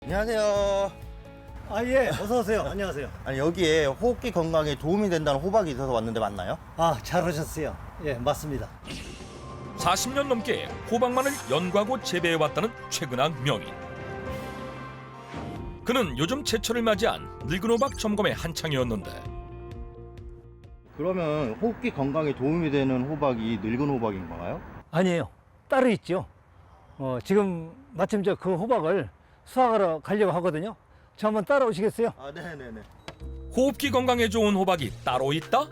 안녕하세요. 아, 예, 어서 오세요. 안녕하세요. 아니 여기에 호흡기 건강에 도움이 된다는 호박이 있어서 왔는데 맞나요? 아, 잘 오셨어요. 예, 맞습니다. 40년 넘게 호박만을 연구하고 재배해왔다는 최근학 명인. 그는 요즘 제철을 맞이한 늙은 호박 점검의 한창이었는데 그러면 호흡기 건강에 도움이 되는 호박이 늙은 호박인가요? 아니에요. 따로 있죠. 지금 마침 저 그 호박을 수확하러 가려고 하거든요. 저 한번 따라오시겠어요? 아, 네네네. 호흡기 건강에 좋은 호박이 따로 있다?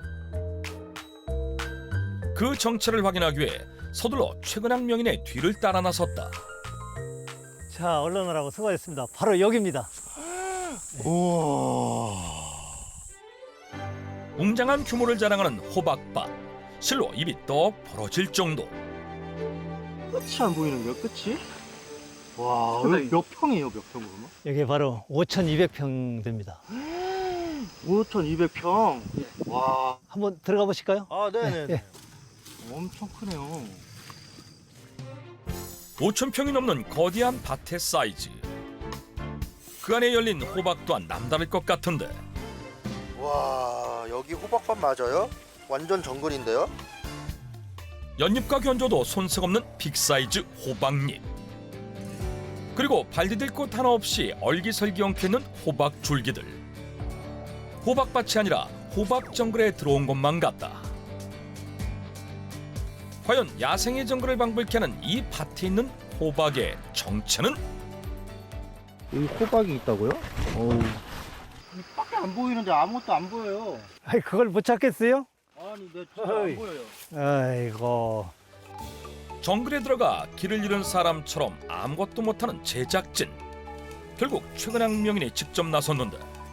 그 정체를 확인하기 위해 서둘러 최근학 명인의 뒤를 따라 나섰다. 자, 얼른 오라고 수고하셨습니다. 바로 여기입니다. 우와. 웅장한 규모를 자랑하는 호박밭. 실로 입이 떡 벌어질 정도. 끝이 안 보이는데요, 끝이? 와, 여기 몇 평이에요, 몇 평 그러면? 여기 바로 5,200평 됩니다. 5,200평. 와. 한번 들어가 보실까요? 아, 네네네. 예. 엄청 크네요. 5,000평이 넘는 거대한 밭의 사이즈. 그 안에 열린 호박 또한 남다를 것 같은데 와, 여기 호박밭 맞아요? 완전 정글인데요? 연잎과 견조도 손색 없는 빅사이즈 호박잎. 그리고 발 디딜 곳 하나 없이 얼기설기 엉켜있는 호박 줄기들. 호박밭이 아니라 호박 정글에 들어온 것만 같다. 과연 야생의 정글을 방불케 하는 이 밭에 있는 호박의 정체는? 여기 호박이 있다고요? 어우. 밖에 안 보이는데 아무것도 안 보여요. 아이, 그걸 못 찾겠어요? 아니, 내 진짜 어이. 안 보여요. 아이고. 정글에 들어가 길을 잃은 사람처럼 아무것도 못하는 제작진. 결국 최근학 명인이 직접 나섰는데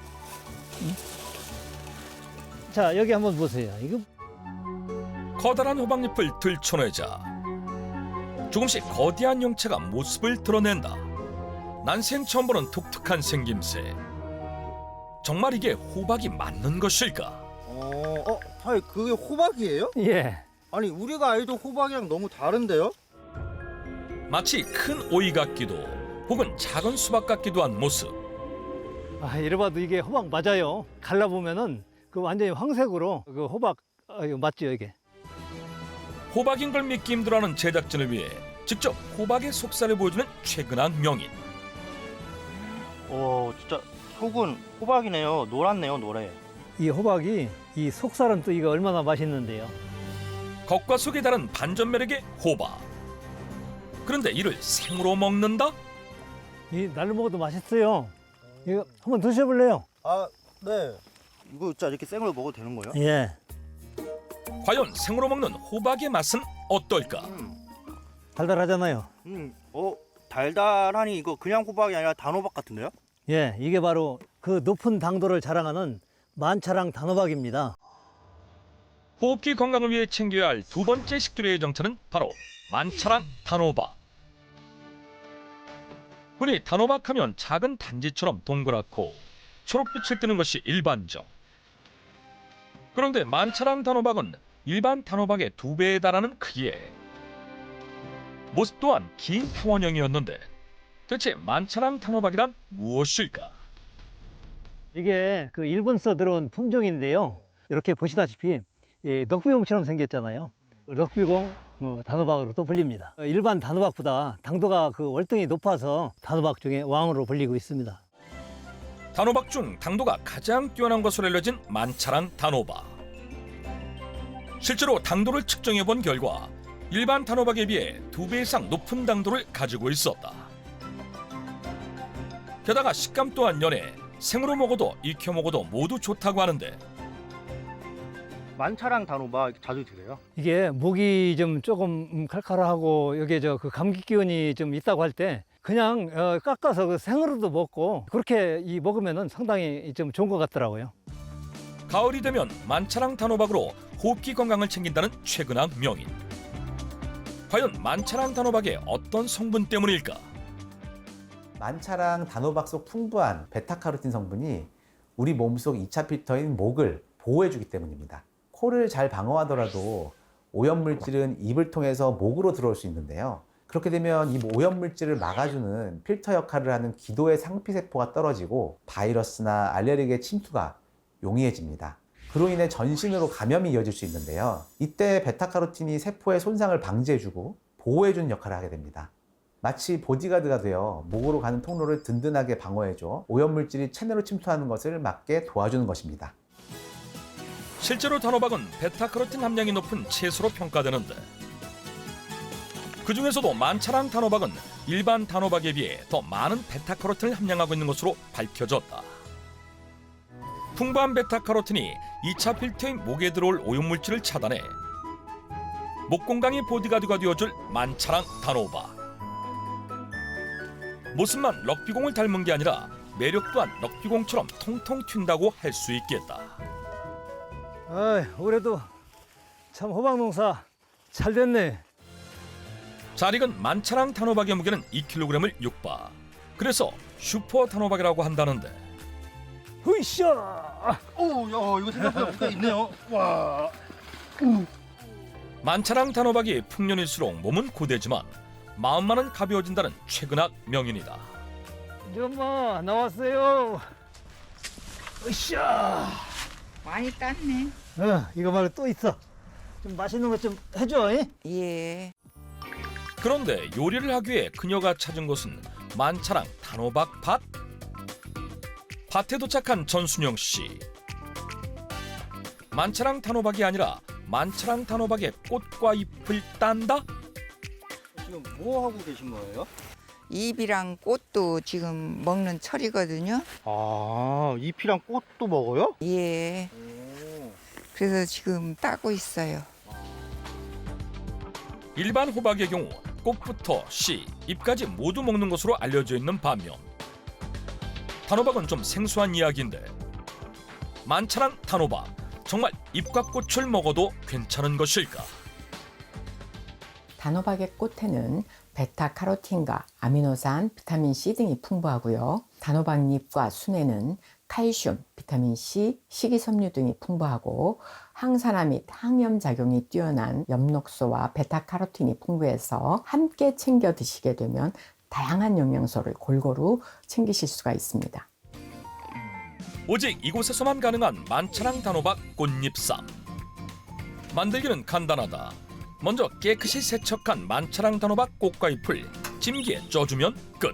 자, 여기 한번 보세요. 이거 커다란 호박잎을 들춰내자 조금씩 거대한 형체가 모습을 드러낸다. 난생 처음 보는 독특한 생김새. 정말 이게 호박이 맞는 것일까? 아니, 그게 호박이에요? 예. 아니, 우리가 알던 호박이랑 너무 다른데요? 마치 큰 오이 같기도 혹은 작은 수박 같기도 한 모습. 아, 이래봐도 이게 호박 맞아요. 갈라보면은 그 완전히 황색으로 그 호박, 이거 맞죠, 이게? 호박인 걸 믿기 힘들어하는 제작진을 위해 직접 호박의 속살을 보여주는 최근학 명인. 진짜 속은 호박이네요. 노랗네요, 노래. 이 호박이 이 속살은 또 이거 얼마나 맛있는데요. 겉과 속이 다른 반전 매력의 호박. 그런데 이를 생으로 먹는다? 이 날로 먹어도 맛있어요. 이거 한번 드셔볼래요? 아, 네. 이거 진짜 이렇게 생으로 먹어도 되는 거예요? 예. 과연 생으로 먹는 호박의 맛은 어떨까? 달달하잖아요. 달달하니 이거 그냥 호박이 아니라 단호박 같은데요? 예, 이게 바로 그 높은 당도를 자랑하는 만차랑 단호박입니다. 호흡기 건강을 위해 챙겨야 할 두 번째 식두류의 정체는 바로 만차랑 단호박. 흔히 단호박하면 작은 단지처럼 동그랗고 초록빛을 띠는 것이 일반적. 그런데 만차랑 단호박은 일반 단호박의 2배에 달하는 크기에 모습 또한 긴 평원형이었는데 대체 만차랑 단호박이란 무엇일까? 이게 그 일본서 들어온 품종인데요. 이렇게 보시다시피 럭비공처럼 생겼잖아요. 럭비공 단호박으로도 불립니다. 일반 단호박보다 당도가 그 월등히 높아서 단호박 중에 왕으로 불리고 있습니다. 단호박 중 당도가 가장 뛰어난 것으로 알려진 만차랑 단호박. 실제로 당도를 측정해 본 결과 일반 단호박에 비해 2배 이상 높은 당도를 가지고 있었다. 게다가 식감 또한 연해 생으로 먹어도 익혀 먹어도 모두 좋다고 하는데 만차랑 단호박 자주 드세요? 이게 목이 좀 조금 칼칼하고 여기에 그 감기 기운이 좀 있다고 할 때 그냥 깎아서 그 생으로도 먹고 그렇게 먹으면은 상당히 좀 좋은 것 같더라고요. 가을이 되면 만차랑 단호박으로 호흡기 건강을 챙긴다는 최근학 명인. 과연 만차랑 단호박의 어떤 성분 때문일까? 만차랑 단호박 속 풍부한 베타카로틴 성분이 우리 몸속 2차 필터인 목을 보호해주기 때문입니다. 코를 잘 방어하더라도 오염물질은 입을 통해서 목으로 들어올 수 있는데요. 그렇게 되면 이 오염물질을 막아주는 필터 역할을 하는 기도의 상피세포가 떨어지고 바이러스나 알레르기의 침투가 용이해집니다. 그로 인해 전신으로 감염이 이어질 수 있는데요. 이때 베타카로틴이 세포의 손상을 방지해주고 보호해주는 역할을 하게 됩니다. 마치 보디가드가 되어 목으로 가는 통로를 든든하게 방어해줘 오염물질이 체내로 침투하는 것을 막게 도와주는 것입니다. 실제로 단호박은 베타카로틴 함량이 높은 채소로 평가되는데 그중에서도 만차랑 단호박은 일반 단호박에 비해 더 많은 베타카로틴을 함량하고 있는 것으로 밝혀졌다. 풍부한 베타카로틴이 2차 필터인 목에 들어올 오염물질을 차단해 목 건강의 보디가드가 되어줄 만차랑 단호박. 모습만 럭비공을 닮은 게 아니라 매력 또한 럭비공처럼 통통 튄다고 할 수 있겠다. 올해도 참 호박 농사 잘 됐네. 잘 익은 만차랑 단호박의 무게는 2kg을 육박. 그래서 슈퍼 단호박이라고 한다는데 으쌰! 오, 야, 이거 생각보다 무게 있네요. 와. 만차랑 단호박이 풍년일수록 몸은 고되지만 마음만은 가벼워진다는 최근학 명인이다. 엄마 나왔어요. 으쌰! 많이 땄네. 이거 말고 또 있어. 좀 맛있는 것 좀 해줘. 잉? 예. 그런데 요리를 하기 위해 그녀가 찾은 곳은 만차랑 단호박 밭? 밭에 도착한 전순영 씨. 만차랑 단호박이 아니라 만차랑 단호박의 꽃과 잎을 딴다? 지금 뭐 하고 계신 거예요? 잎이랑 꽃도 지금 먹는 철이거든요. 아, 잎이랑 꽃도 먹어요? 예. 오. 그래서 지금 따고 있어요. 일반 호박의 경우 꽃부터 씨, 잎까지 모두 먹는 것으로 알려져 있는 반면 단호박은 좀 생소한 이야기인데 만차랑 단호박 정말 잎과 꽃을 먹어도 괜찮은 것일까? 단호박의 꽃에는 베타카로틴과 아미노산, 비타민C 등이 풍부하고요. 단호박잎과 순에는 칼슘, 비타민C, 식이섬유 등이 풍부하고 항산화 및 항염 작용이 뛰어난 엽록소와 베타카로틴이 풍부해서 함께 챙겨 드시게 되면 다양한 영양소를 골고루 챙기실 수가 있습니다. 오직 이곳에서만 가능한 만차랑 단호박 꽃잎쌈. 만들기는 간단하다. 먼저 깨끗이 세척한 만차랑 단호박 꽃과 잎을 찜기에 쪄주면 끝.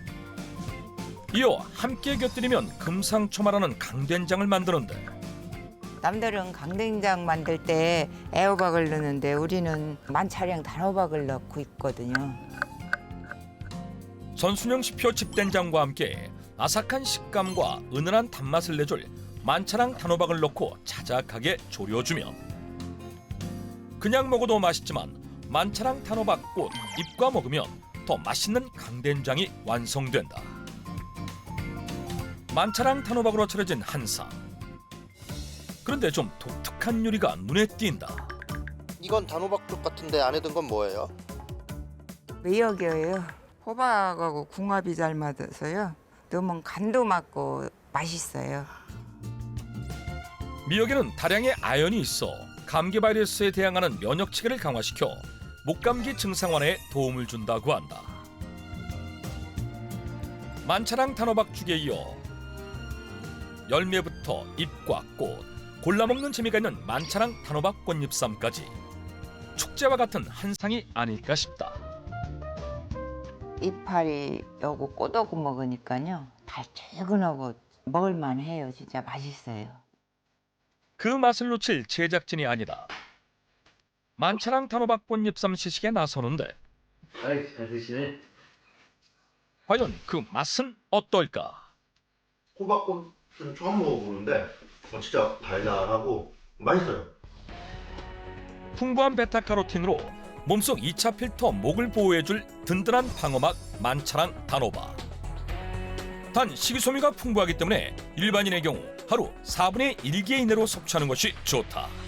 이어 함께 곁들이면 금상첨화라는 강된장을 만드는데 남들은 강된장 만들 때 애호박을 넣는데 우리는 만차량 단호박을 넣고 있거든요. 전순영 씨표 집된장과 함께 아삭한 식감과 은은한 단맛을 내줄 만차랑 단호박을 넣고 자작하게 졸여주면 그냥 먹어도 맛있지만 만차랑 단호박 꽃 잎과 먹으면 더 맛있는 강된장이 완성된다. 만차랑 단호박으로 차려진 한상. 그런데 좀 독특한 요리가 눈에 띈다. 이건 단호박죽 같은데 안에 든 건 뭐예요? 미역이에요. 호박하고 궁합이 잘 맞아서요. 넣으면 간도 맞고 맛있어요. 미역에는 다량의 아연이 있어 감기 바이러스에 대항하는 면역 체계를 강화시켜 목감기 증상 완화에 도움을 준다고 한다. 만차랑 단호박죽에 이어 열매부터 잎과 꽃, 골라 먹는 재미가 있는 만차랑 단호박 꽃잎쌈까지 축제와 같은 한상이 아닐까 싶다. 이파리 요거 꼬독고 먹으니까요. 달짝하고 먹을만해요. 진짜 맛있어요. 그 맛을 놓칠 제작진이 아니다. 만차랑 단호박 꽃잎쌈 시식에 나서는데 아이 잘 드시네. 과연 그 맛은 어떨까? 호박꽃은 처음 먹어보는데 진짜 달달하고 맛있어요. 풍부한 베타카로틴으로 몸속 2차 필터 목을 보호해줄 든든한 방어막 만차랑 단호박. 단 식이섬유가 풍부하기 때문에 일반인의 경우 하루 4분의 1개 이내로 섭취하는 것이 좋다.